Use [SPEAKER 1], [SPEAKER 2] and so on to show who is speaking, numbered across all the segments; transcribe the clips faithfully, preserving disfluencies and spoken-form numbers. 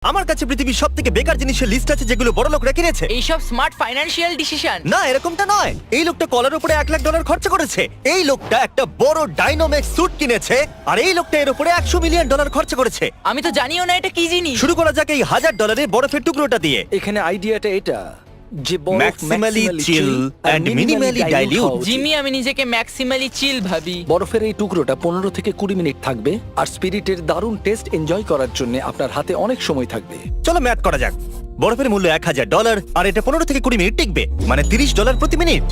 [SPEAKER 1] আমার কাছে পৃথিবীর সবথেকে বেকার জিনিসের লিস্ট আছে যেগুলো বড় লোকরা কিনেছে।
[SPEAKER 2] এইসব স্মার্ট ফাইন্যান্সিয়াল ডিসিশন।
[SPEAKER 1] না, এরকমটা নয়। এই লোকটা কলার উপরে এক লাখ ডলার খরচা করেছে। এই লোকটা একটা বড় ডাইনোমেক্স স্যুট কিনেছে, আর এই লোকটা এর উপরে একশো মিলিয়ন ডলার খরচা করেছে।
[SPEAKER 2] আমি তো জানিও না এটা কি জিনিস।
[SPEAKER 1] শুরু করা যাক এই হাজার ডলারের বরফের টুকরোটা দিয়ে।
[SPEAKER 3] এখানে আইডিয়াটা এটা যে বরফ
[SPEAKER 1] Maximally
[SPEAKER 3] maximally
[SPEAKER 1] chill
[SPEAKER 3] chill
[SPEAKER 1] and
[SPEAKER 3] R
[SPEAKER 1] minimally
[SPEAKER 3] minimally dilute
[SPEAKER 1] dilute।
[SPEAKER 3] হওয়া উচিত।
[SPEAKER 2] জিমি, আমি নিজেকে ম্যাক্সিমালি চিল ভাবি।
[SPEAKER 3] বরফের এই টুকরোটা পনেরো থেকে কুড়ি মিনিট থাকবে আর স্পিরিটের দারুণ টেস্ট এনজয় করার জন্য আপনার হাতে অনেক সময় থাকবে।
[SPEAKER 1] চলো ম্যাথ করা যাক। বরফের মূল্য এক হাজার ডলার, আর এটা পনেরো থেকে কুড়ি মিনিট টিকবে, মানে তিরিশ ডলার প্রতি মিনিট।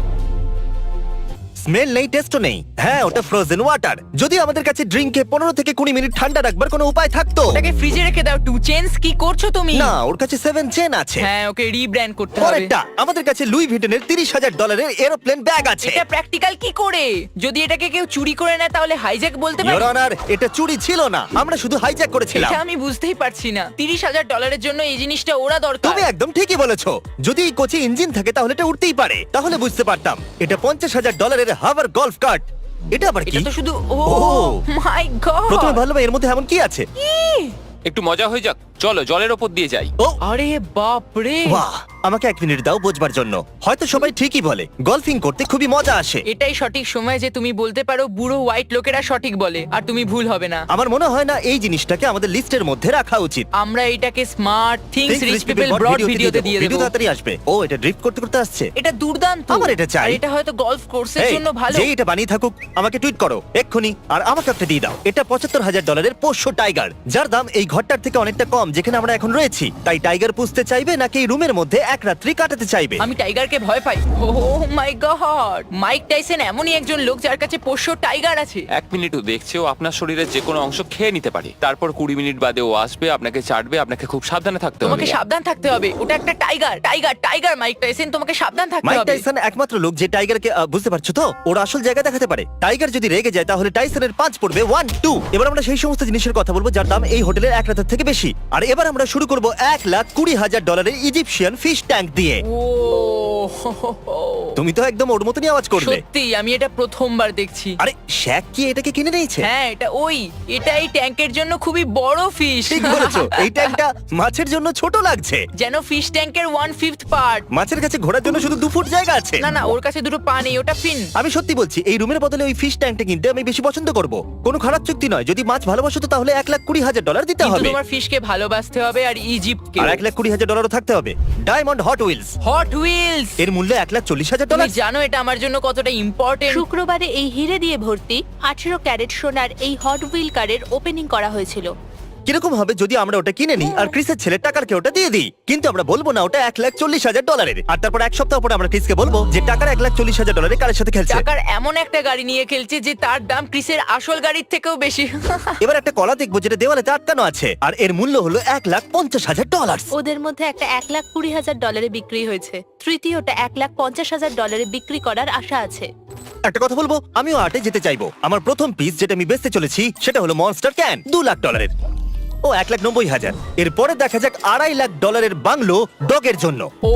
[SPEAKER 1] স্মেল নেই, টেস্টও নেই। হ্যাঁ, ওটা ফ্রোজেন ওয়াটার। যদি আমাদের কাছে ড্রিঙ্কে পনেরো থেকে কুড়ি মিনিট ঠান্ডা রাখবার কোনো উপায় থাকতো।
[SPEAKER 2] ওটাকে ফ্রিজে রেখে দাও। টু চেঞ্জ কি করছো তুমি?
[SPEAKER 1] না, ওর কাছে সেভেন চেন আছে।
[SPEAKER 2] হ্যাঁ, ওকে রিব্র্যান্ড করতে হবে।
[SPEAKER 1] পরেরটা, আমাদের কাছে লুই ভিটনের তিরিশ হাজার ডলারের এরোপ্লেন ব্যাগ আছে।
[SPEAKER 2] এটা প্র্যাকটিক্যাল কি করে? যদি এটাকে কেউ চুরি করে নেয় তাহলে হাইজ্যাক বলতে পারি?
[SPEAKER 1] ইওর অনার, এটা চুরি ছিল না, আমরা শুধু হাইজ্যাক করেছিলাম।
[SPEAKER 2] এটা আমি বুঝতেই পারছি না। তিরিশ হাজার ডলারের জন্য এই জিনিসটা ওরা দরকার।
[SPEAKER 1] তুমি একদম ঠিকই বলেছো। যদি এই কোচে ইঞ্জিন থাকে তাহলে এটা উঠতেই পারে, তাহলে বুঝতে পারতাম। এটা পঞ্চাশ হাজার ডলারের হাভার গলফ কার্ট। এটা আবার কি?
[SPEAKER 2] এটা তো শুধু ও
[SPEAKER 1] ও।
[SPEAKER 2] My god.
[SPEAKER 1] প্রথমে ভাবলাম এর মধ্যে এমন কি আছে।
[SPEAKER 4] একটু মজা হয়ে যাক, চলো জলের ওপর দিয়ে যাই।
[SPEAKER 1] ও
[SPEAKER 2] আরে বাপ রে।
[SPEAKER 1] বাহ, আমাকে এক মিনিট দাও বোঝবার জন্য। হয়তো সবাই ঠিকই বলে, গলফিং করতে খুবই মজা আসে।
[SPEAKER 2] এটাই সঠিক সময় যে তুমি বলতে পারো বুড়ো হোয়াইট লোকেরা সঠিক বলে, আর তুমি ভুল হবে না।
[SPEAKER 1] আমার মনে হয় না এই জিনিসটাকে আমাদের লিস্টের মধ্যে রাখা উচিত।
[SPEAKER 2] আমরা এটাকে smart things
[SPEAKER 1] Think
[SPEAKER 2] rich
[SPEAKER 1] Rich
[SPEAKER 2] people
[SPEAKER 1] People
[SPEAKER 2] broad
[SPEAKER 1] Broad
[SPEAKER 2] ভিডিওতে
[SPEAKER 1] দেবো।
[SPEAKER 2] দিয়ে
[SPEAKER 1] ভিডিও
[SPEAKER 2] দেব।
[SPEAKER 1] তাড়াতাড়ি আসবে। ও, এটা ড্রিফট করতে করতে আসছে।
[SPEAKER 2] এটা দুর্দান্ত।
[SPEAKER 1] আমার এটা চাই।
[SPEAKER 2] আর এটা হয়তো গলফ কোর্সের
[SPEAKER 1] এই,
[SPEAKER 2] জন্য ভালো।
[SPEAKER 1] যে এটা বানিয়ে থাকুক আমাকে টুইট করো এক্ষুনি, আর আমাকে একটা দিয়ে দাও। এটা পঁচাত্তর হাজার ডলারের পোষ্য টাইগার, যার দাম এই ঘরটার থেকে অনেকটা কম যেখানে আমরা এখন রয়েছি। তাই টাইগার পুষতে চাইবে নাকি এই রুমের মধ্যে এক রাত্রি কাটাতে চাইবে?
[SPEAKER 2] আমি টাইগারকে ভয় পাই। ও মাই গড, মাইক টাইসন এমনই একজন লোক যার কাছে পোষ্য টাইগার আছে।
[SPEAKER 4] এক মিনিটও দেখছে ও আপনার শরীরের যে কোনো অংশ খেয়ে নিতে পারে। তারপর কুড়ি মিনিট বাদে ও আসবে, আপনাকে চাটবে, আপনাকে খুব সাবধানে থাকতে হবে।
[SPEAKER 2] তোমাকে সাবধান থাকতে হবে। ওটা একটা tiger, tiger, tiger Mike Tyson, তোমাকে সাবধান থাকতে
[SPEAKER 1] মাইক
[SPEAKER 2] হবে।
[SPEAKER 1] টাইসন একমাত্র লোক যে টাইগারকে আহ, বুঝতে পারছো তো, ওর আসল জায়গা দেখাতে পারে। টাইগার যদি রেগে যায় তাহলে টাইসনের পাঁচ পড়বে ওয়ান টু। এবার আমরা সেই সমস্ত জিনিসের কথা বলবো যার দাম এই হোটেলের এক রাতের থেকে বেশি। আর এবার আমরা শুরু করব এক লাখ কুড়ি হাজার ডলারের ইজিপশিয়ান ফিশ ট্যাঙ্ক দিয়ে।
[SPEAKER 2] ও
[SPEAKER 1] তুমি তো একদম ওর মতনই আওয়াজ করবে।
[SPEAKER 2] সত্যি আমি এটা প্রথমবার দেখছি।
[SPEAKER 1] আরে শ্যাক কি এটাকে কিনে নিয়েছে?
[SPEAKER 2] হ্যাঁ, এটা ওই এটা এই ট্যাঙ্কের জন্য খুবই বড় ফিশ।
[SPEAKER 1] ঠিক বলেছো, এই ট্যাঙ্কটা মাছের জন্য ছোট লাগছে।
[SPEAKER 2] যেন ফিশ ট্যাঙ্কের ওয়ান ফিফথ পার্ট।
[SPEAKER 1] মাছের কাছে ঘোরার জন্য শুধু দু ফুট জায়গা আছে।
[SPEAKER 2] না না, ওর কাছে দুটো পা নেই, ওটা ফিন।
[SPEAKER 1] আমি সত্যি বলছি, এই রুমের বদলে ওই ফিশ ট্যাঙ্কটা কিনতে আমি বেশি পছন্দ করব। কোনো খারাপ চুক্তি নয়। যদি মাছ ভালোবাসো তো তাহলে এক লাখ কুড়ি হাজার ডলার দিতে
[SPEAKER 2] কিন্তু
[SPEAKER 1] হবে।
[SPEAKER 2] তোমার ফিশকে ভালোবাসতে হবে আর ইজিপ্টকে।
[SPEAKER 1] আর এক লাখ কুড়ি হাজার ডলারও থাকতে হবে। Diamond hot wheels,
[SPEAKER 2] hot wheels.
[SPEAKER 1] এর মূল্য এক লাখ চল্লিশ হাজার
[SPEAKER 2] তুমি
[SPEAKER 1] ডলার।
[SPEAKER 2] জানো এটা আমার জন্য কতটা ইম্পর্টেন্ট?
[SPEAKER 5] শুক্রবারে এই হিরে দিয়ে ভর্তি আঠেরো ক্যারেট সোনার এই হট হুইল কারের ওপেনিং করা হয়েছিল।
[SPEAKER 1] কিরকম হবে যদি আমরা ওটা কিনে নিই আর ক্রিসের ছেলে টাকারকে ওটা দিয়ে দিই? কিন্তু আমরা বলবো না ওটা এক লাখ চল্লিশ হাজার ডলারের। আর তারপর এক সপ্তাহ পরে আমরা ক্রিসকে বলবো যে টাকার এক লাখ চল্লিশ হাজার ডলারের কারের সাথে খেলছে।
[SPEAKER 2] টাকার এমন একটা গাড়ি নিয়ে খেলছে যে তার দাম ক্রিসের আসল গাড়ির থেকেও বেশি।
[SPEAKER 1] এবার একটা কলা দেখবো যেটা দেওয়ালে আটকানো আছে, আর এর মূল্য হলো এক লাখ পঞ্চাশ হাজার ডলার।
[SPEAKER 5] ওদের মধ্যে একটা এক লাখ কুড়ি হাজার ডলারে বিক্রি হয়েছে, তৃতীয়টা এক লাখ পঞ্চাশ হাজার ডলারে বিক্রি করার আশা আছে।
[SPEAKER 1] একটা কথা বলবো, আমিও আর্টে যেতে চাইবো। আমার প্রথম পিস যেটা আমি বেচতে চলেছি সেটা হলো মনস্টার ক্যান, দু লাখ ডলারের। ও এক লাখ নব্বই হাজার। এরপরে দেখা যাক আড়াই লাখ ডলারের বাংলো ডগের জন্য।
[SPEAKER 2] ও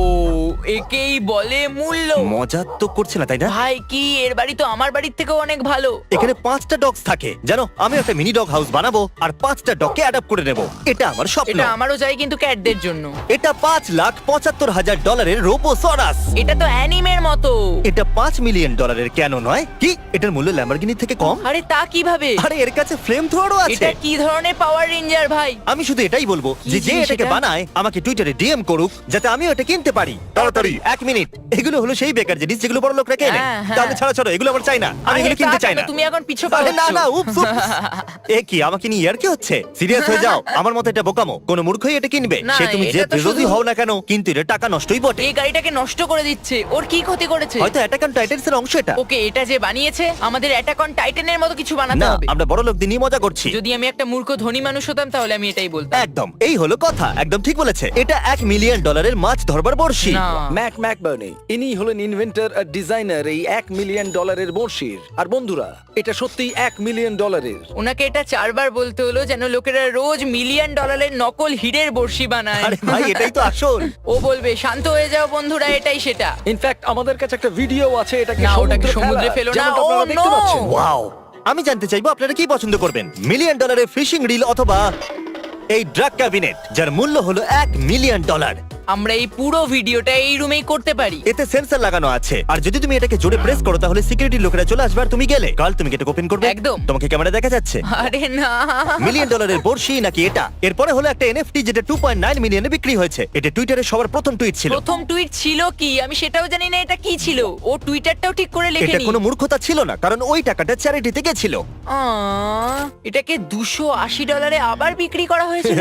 [SPEAKER 2] একেই বলে মূল্য।
[SPEAKER 1] মজা তো করছে না তাই না?
[SPEAKER 2] ভাই কি এর বাড়ি তো আমার বাড়ির থেকেও অনেক ভালো।
[SPEAKER 1] এখানে পাঁচটা ডগস থাকে জানো। আমি একটা মিনি ডগ হাউস বানাবো আর পাঁচটা ডগকে অ্যাডাপ্ট করে নেব। এটা আমার স্বপ্ন।
[SPEAKER 2] এটা আমারও চাই, কিন্তু ক্যাটদের জন্য।
[SPEAKER 1] এটা পাঁচ লাখ পঁচাত্তর হাজার ডলারের রোবোসরাস।
[SPEAKER 2] এটা তো অ্যানিমের মতো।
[SPEAKER 1] এটা পাঁচ মিলিয়ন ডলারের কেন নয়? কি এটার মূল্য ল্যাম্বরগিনি থেকে কম?
[SPEAKER 2] আরে তা কিভাবে?
[SPEAKER 1] আরে এর কাছে ফ্লেম থ্রোয়ারও আছে।
[SPEAKER 2] এটা কি ধরনের পাওয়ার রেঞ্জার ভাই?
[SPEAKER 1] আমি শুধু এটাই বলবো যে যে
[SPEAKER 2] জিনিস
[SPEAKER 1] এটাকে
[SPEAKER 2] এটা?
[SPEAKER 1] বানায় আমাকে টুইটারে ডিএম করুক যাতে আমিও এটা কিনতে পারি। তাড়াতাড়ি এক মিনিট। এগুলো হলো সেই বেকার জিনিস যেগুলো বড় লোকরা কেনে।
[SPEAKER 2] হ্যাঁ, হ্যাঁ।
[SPEAKER 1] তাহলে ছাড়া ছাড়ো, এগুলো আমার চাই না। আমি
[SPEAKER 2] আরে
[SPEAKER 1] এগুলো কিনতে
[SPEAKER 2] তা
[SPEAKER 1] চাই
[SPEAKER 2] কেন?
[SPEAKER 1] না।
[SPEAKER 2] তুমি এখন পিছু
[SPEAKER 1] আরে না
[SPEAKER 2] পাচ্ছ।
[SPEAKER 1] না, উপস উপস। এ কি আমাকে নিয়ে ইয়ার কি হচ্ছে? সিরিয়াস হয়ে যাও। আমার মতে এটা বোকামো। কোন মূর্খই এটা কিনবে।
[SPEAKER 2] না,
[SPEAKER 1] সে তুমি যে
[SPEAKER 2] এটা তো
[SPEAKER 1] বিরোধী
[SPEAKER 2] শুধু-
[SPEAKER 1] হও না কেন, কিন্তু এটা টাকা নষ্টই বটে।
[SPEAKER 2] এই গাড়িটাকে নষ্ট করে দিচ্ছে। ওর কি ক্ষতি করেছে?
[SPEAKER 1] হয়তো অ্যাটাক অন টাইটান্স এর অংশ এটা।
[SPEAKER 2] ওকে, এটা যে বানিয়েছে আমাদের অ্যাটাক অন টাইটানের মতো কিছু বানাতে
[SPEAKER 1] না,
[SPEAKER 2] হবে।
[SPEAKER 1] আমরা বড় লোকদের নিয়ে মজা করছি।
[SPEAKER 2] যদি আমি একটা মূর্খ ধনী মানুষ হতাম তাহলে আমি এটাই বলতাম।
[SPEAKER 1] একদম, এই হলো কথা। একদম ঠিক বলেছে। এটা এক মিলিয়ন ডলারের মাছ ধরবার বড়শি।
[SPEAKER 2] না।
[SPEAKER 3] ম্যাক ম্যাকবার্নি ইনি হলেন ইনভেন্টর আর ডিজাইনার এই এক মিলিয়ন ডলারের বড়শির। আর বন্ধুরা, এটা সত্যি এক মিলিয়ন ডলারের।
[SPEAKER 2] ওনাকে এটা চারবার বলতে হলো যেন লোকেরা রোজ মিলিয়ন ডলারের নকল হিরের বড়শি বানায়।
[SPEAKER 1] আরে ভাই, এটাই তো আসল।
[SPEAKER 2] ও বলবে শান্ত হয়ে যাও বন্ধুরা, এটাই সেটা।
[SPEAKER 3] ইনফ্যাক্ট আমাদের কাছে একটা ভিডিও আছে এটাকে
[SPEAKER 2] না, ওটাকে
[SPEAKER 3] সমুদ্রে
[SPEAKER 2] সমুদ্রে
[SPEAKER 3] ফেলার,
[SPEAKER 2] ফেলো না।
[SPEAKER 3] যেমনটা
[SPEAKER 2] ও,
[SPEAKER 3] আপনারা দেখতে
[SPEAKER 2] no!
[SPEAKER 3] পাচ্ছেন।
[SPEAKER 1] ওয়াও, আমি জানতে চাইবো আপনারা কি পছন্দ করবেন, মিলিয়ন ডলারের ফিশিং রিল অথবা এই ড্রাগ ক্যাবিনেট যার মূল্য হলো এক মিলিয়ন ডলার।
[SPEAKER 2] আমরা এই পুরো ভিডিওটা এই রুমেই করতে পারি।
[SPEAKER 1] এতে সেন্সর লাগানো আছে, আর যদি তুমি এটাকে জোরে প্রেস করো তাহলে সিকিউরিটি লোকেরা চলে আসবে আর তুমি গেলে। কাল তুমি কি এটা ওপেন করবে?
[SPEAKER 2] একদম।
[SPEAKER 1] তোমাকে ক্যামেরা দেখা যাচ্ছে?
[SPEAKER 2] আরে না,
[SPEAKER 1] মিলিয়ন ডলারের বর্ষি নাকি এটা? এরপরে হলো একটা এনএফটি যেটা টু পয়েন্ট নাইন মিলিয়নে বিক্রি হয়েছে। এটা টুইটারে সবার প্রথম টুইট ছিল।
[SPEAKER 2] প্রথম টুইট ছিল কি আমি সেটাও জানি না এটা কি ছিল। ও টুইটারটাও ঠিক করে
[SPEAKER 1] এটা
[SPEAKER 2] লেখেনি।
[SPEAKER 1] কোনো মূর্খতা ছিল না, কারণ ওই টাকাটা চ্যারিটিতে গেছিল।
[SPEAKER 2] আহ, এটাকে দুশো আশি ডলারে আবার বিক্রি করা হয়েছিল।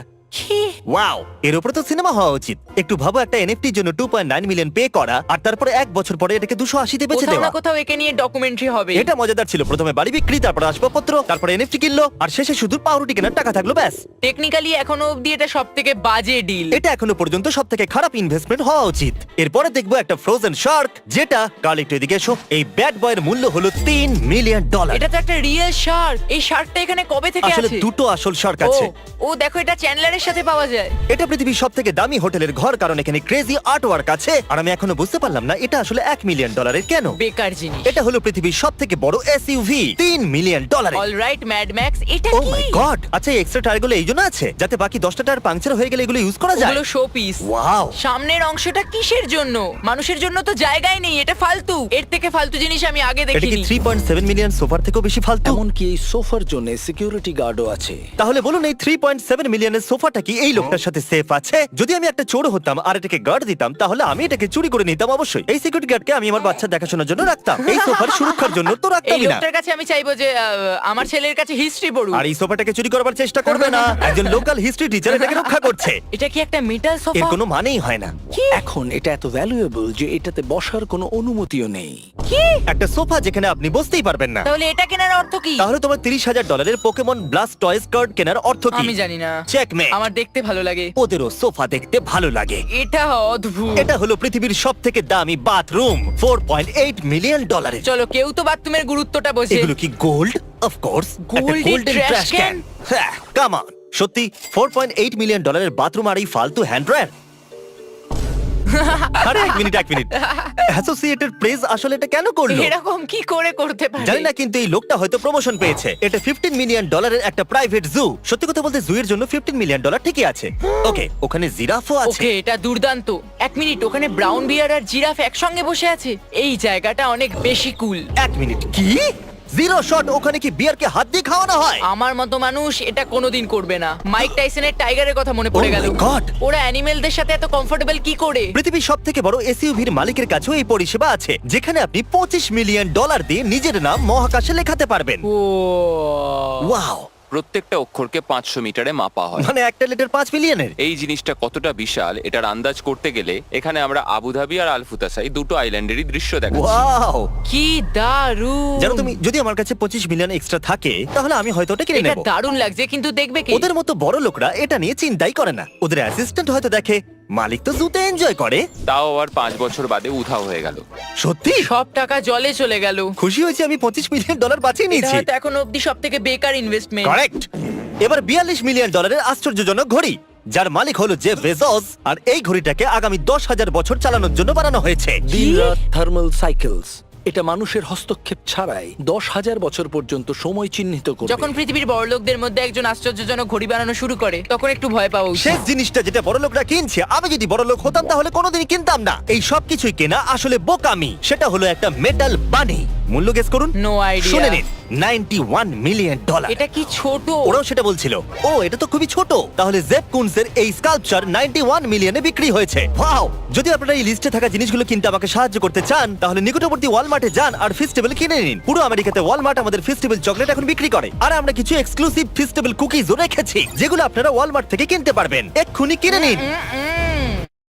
[SPEAKER 2] কি?
[SPEAKER 1] ওয়াও, এর উপরে তো সিনেমা হওয়া উচিত। একটু ভাবো, একটা এনএফটির জন্য two point nine million pay করা, আর তারপরে এক বছর পরে এটাকে দুশো আশিতে বেচে
[SPEAKER 2] কোথাও
[SPEAKER 1] দেওয়া।
[SPEAKER 2] না কোথাও একে নিয়ে ডকুমেন্টারি হবে।
[SPEAKER 1] এটা মজাদার ছিল। প্রথমে বাড়ি বিক্রি, তারপরে আসবাবপত্র, তারপরে এনএফটি কিনলো, আর শেষে শুধু পাউরুটি কেনার টাকা থাকলো, ব্যাস।
[SPEAKER 2] টেকনিক্যালি এখনো অবধি এটা সব থেকে বাজে ডিল।
[SPEAKER 1] এটা এখনো পর্যন্ত সব থেকে খারাপ ইনভেস্টমেন্ট হওয়া উচিত। এরপরে দেখবো একটা ফ্রোজেন শার্ক, যেটা কাল একটু এদিকে এসো। এই ব্যাড বয়ের মূল্য হলো তিন মিলিয়ন ডলার।
[SPEAKER 2] এটা তো একটা রিয়েল শার্ক। এই শার্কটা এখানে কবে থেকে
[SPEAKER 1] আসলে
[SPEAKER 2] আছে?
[SPEAKER 1] দুটো আসল শার্ক
[SPEAKER 2] ও,
[SPEAKER 1] আছে।
[SPEAKER 2] ও দেখো এটা চ্যান্ডলারের সাথে পাওয়া যায়।
[SPEAKER 1] এটা পৃথিবীর সব থেকে দামি হোটেলের ঘর, কারণ এখানে ক্রেজি আর্ট ওয়ার্ক আছে। আর আমি এখনো বুঝতে পারলাম না এটা আসলে এক মিলিয়ন ডলারের কেন।
[SPEAKER 2] বেকার জিনিস।
[SPEAKER 1] এটা হলো পৃথিবীর সব থেকে বড় এসইউভি, তিন million dollar.
[SPEAKER 2] Alright Mad Max, এটা
[SPEAKER 1] ও
[SPEAKER 2] কি?
[SPEAKER 1] My god! আচ্ছা, এই এক্সট্রা টায়ারগুলো এই জন্য আছে যাতে বাকি দশটা টায়ার পাংচার হয়ে গেলে এগুলো ইউজ করা যায়।
[SPEAKER 2] ওগুলো শো পিস।
[SPEAKER 1] ওয়াও!
[SPEAKER 2] সামনের অংশটা কিসের জন্য? মানুষের জন্য তো জায়গায় নেই, এটা ফালতু। এর থেকে ফালতু জিনিস আমি আগে
[SPEAKER 1] এটা কি
[SPEAKER 2] দেখিনি।
[SPEAKER 1] থ্রি পয়েন্ট সেভেন মিলিয়ন সোফার থেকেও বেশি ফালতু?
[SPEAKER 3] এমনকি এই সোফার জন্য সিকিউরিটি গার্ডও আছে।
[SPEAKER 1] তাহলে বলুন, এই থ্রি পয়েন্ট সেভেন মিলিয়নের সোফাটা কি এই লোকটার সাথে সেফ আছে? যদি আমি একটা চোর হতাম আর এটাকে গার্ড দিতাম, তাহলে আমি এটাকে চুরি করে নিতাম অবশ্যই। এই সিকিউরিটি গার্ডকে আমি আমার বাচ্চা দেখাশোনার জন্য রাখতাম, এই সোফার সুরক্ষার জন্য তো
[SPEAKER 2] এই
[SPEAKER 1] রাখতামই না।
[SPEAKER 2] লোকটার কাছে আমি চাইবো যে আহ, আমার ছেলের কাছে হিস্ট্রি পড়ুক।
[SPEAKER 1] আর এই সোফাটাকে চুরি করবার চেষ্টা করবে না। একজন লোকাল হিস্ট্রি টিচার এটাকে রক্ষা করছে।
[SPEAKER 2] এটা কি একটা মেটাল
[SPEAKER 1] এর
[SPEAKER 2] সোফা?
[SPEAKER 1] কোনো মানেই হয় না।
[SPEAKER 3] এখন এটা এত ভ্যালুয়েবল যে এটাতে বসার কোনো অনুমতিও নেই।
[SPEAKER 2] কি?
[SPEAKER 1] একটা সোফা যেখানে আপনি বসতেই পারবেন না।
[SPEAKER 2] তাহলে এটা কেনার অর্থ কি?
[SPEAKER 1] তাহলে তোমার তিরিশ হাজার ডলারের পোকেমন ব্লাস্ট টয়েস কার্ড কেনার অর্থ কি?
[SPEAKER 2] আমি জানি না।
[SPEAKER 1] চেকমেট।
[SPEAKER 2] আমার দেখতে ভালো লাগে।
[SPEAKER 1] ওদেরও সোফা দেখতে ভালো লাগে।
[SPEAKER 2] এটা অদ্ভুত।
[SPEAKER 1] এটা হলো পৃথিবীর সব থেকে দামি bathroom, four point eight million ডলারের।
[SPEAKER 2] চলো, কেউ তো বাথরুমের গুরুত্বটা বোঝে।
[SPEAKER 1] এগুলো কি gold? Of course,
[SPEAKER 2] Golden trash can?
[SPEAKER 1] হ্যাঁ, কাম অন। সত্যি ফোর পয়েন্ট এইট মিলিয়ন ডলারের বাথরুম আর এই ফালতু হ্যান্ড ড্রায়ার? আরে এক মিনিট এক মিনিট অ্যাসোসিয়েটেড প্রেস আসলে এটা কেন করলো?
[SPEAKER 2] এরকম কি করে করতে পারে?
[SPEAKER 1] জানি না, কিন্তু এই লোকটা হয়তো প্রমোশন পেয়েছে। এটা ফিফটিন মিলিয়ন ডলারের একটা প্রাইভেট জু। সত্যি কথা বলতে জু এর জন্য ফিফটিন মিলিয়ন ডলার ঠিকই আছে। ওকে, ওখানে জিরাফও আছে।
[SPEAKER 2] ওকে, এটা দুর্দান্ত। এক মিনিট, ওখানে ব্রাউন বিয়ার আর জিরাফ একসঙ্গে বসে আছে। এই জায়গাটা অনেক বেশি কুল।
[SPEAKER 1] এক মিনিট, কি? Zero shot? ওখানে কি বিয়ারকে হাত দিয়ে খাওয়ানো হয়?
[SPEAKER 2] আমার মতো মানুষ এটা কোনোদিন করবে না। মাইক টাইসনের টাইগারের কথা মনে পড়ে
[SPEAKER 1] Oh
[SPEAKER 2] গেল।
[SPEAKER 1] my God!
[SPEAKER 2] ওরা অ্যানিমেলদের সাথে এত কমফোর্টেবল কি করে?
[SPEAKER 1] পৃথিবীর সব থেকে বড় এসইউভির মালিকের কাছেও এই পরিষেবা আছে, যেখানে আপনি পঁচিশ মিলিয়ন ডলার দিয়ে নিজের নাম মহাকাশে লেখাতে পারবেন।
[SPEAKER 2] ও,
[SPEAKER 1] ওয়াও!
[SPEAKER 4] প্রত্যেকটা অক্ষরকে পাঁচশো মিটারে মাপা হয়।
[SPEAKER 1] মানে একটা লিটার পাঁচ মিলিয়নের।
[SPEAKER 4] এই জিনিসটা কতটা বিশাল এটার আন্দাজ করতে গেলে এখানে আমরা আবুধাবি আর আলফুতাসাই দুটো আইল্যান্ডেরই দৃশ্য দেখাচ্ছি।
[SPEAKER 1] ওয়াও!
[SPEAKER 2] কি দারুণ!
[SPEAKER 1] জানো তুমি, যদি আমার কাছে পঁচিশ মিলিয়ন এক্সট্রা থাকে তাহলে আমি হয়তো ওটা কিনে
[SPEAKER 2] এটা
[SPEAKER 1] নেব।
[SPEAKER 2] দারুণ লাগছে, কিন্তু দেখবে কি?
[SPEAKER 1] ওদের মতো বড় লোকরা এটা নিয়ে চিন্তাই করে না। ওদের অ্যাসিস্ট্যান্ট হয়তো দেখে, মালিক তো জুতে এনজয় করে।
[SPEAKER 4] তাও আবার পাঁচ বছর বাদে উধাও হয়ে গেল।
[SPEAKER 1] সত্যি
[SPEAKER 2] সব টাকা জলে চলে গেল।
[SPEAKER 1] খুশি হয়েছি আমি পঁচিশ মিলিয়ন ডলার বাঁচিয়ে
[SPEAKER 2] এটা
[SPEAKER 1] নিয়েছি।
[SPEAKER 2] হয়তো এখন অবধি সব থেকে বেকার ইনভেস্টমেন্ট।
[SPEAKER 1] কারেক্ট। এবার বিয়াল্লিশ মিলিয়ন ডলারের আশ্চর্যজনক ঘড়ি, যার মালিক হলো জেফ বেজোস, আর এই ঘড়িটাকে আগামী দশ হাজার বছর চালানোর জন্য বানানো হয়েছে।
[SPEAKER 3] দিন রাত থার্মাল সাইকেলস। এটা মানুষের হস্তক্ষেপ ছাড়াই দশ হাজার বছর পর্যন্ত সময় চিহ্নিত করবে।
[SPEAKER 2] যখন পৃথিবীর বড়লোকদের মধ্যে একজন আশ্চর্যজনক ঘড়ি বানানো শুরু করে, তখন একটু ভয় পাওয়া উচিত।
[SPEAKER 1] শেষ জিনিসটা যেটা বড় লোকরা কিনছে, আমি যদি বড় লোক হতাম তাহলে কোনোদিনই কিনতাম না। এই সব কিছুই কেনা আসলে বোকামি। সেটা হলো একটা মেটাল বানি। মূল্য গেস করুন।
[SPEAKER 2] No idea.
[SPEAKER 1] শুনে নিন, নাইনটি ওয়ান মিলিয়ন ডলার।
[SPEAKER 2] এটা কি ছোট!
[SPEAKER 1] ওরাও সেটা বলছিল। ও, এটা তো খুবই ছোট। তাহলে জেফ কুনসের এই স্কাল্পচার নাইনটি ওয়ান মিলিয়নে বিক্রি হয়েছে। ওয়াও! যদি আপনারা এই লিস্টে থাকা জিনিসগুলো কিনতে আমাকে সাহায্য করতে চান, তাহলে নিকটবর্তী ওয়ালমার্টে যান আর ফেস্টিভ্যাল কিনে নিন। পুরো আমেরিকাতে ওয়ালমার্ট আমাদের ফেস্টিভ্যাল চকলেট এখন বিক্রি করে, আর আমরা কিছু এক্সক্লুসিভ ফেস্টিভ্যাল কুকিজও রেখেছি, যেগুলো আপনারা ওয়ালমার্ট থেকে কিনতে পারবেন। এক্ষুনি কিনে নিন।
[SPEAKER 2] উম, উম,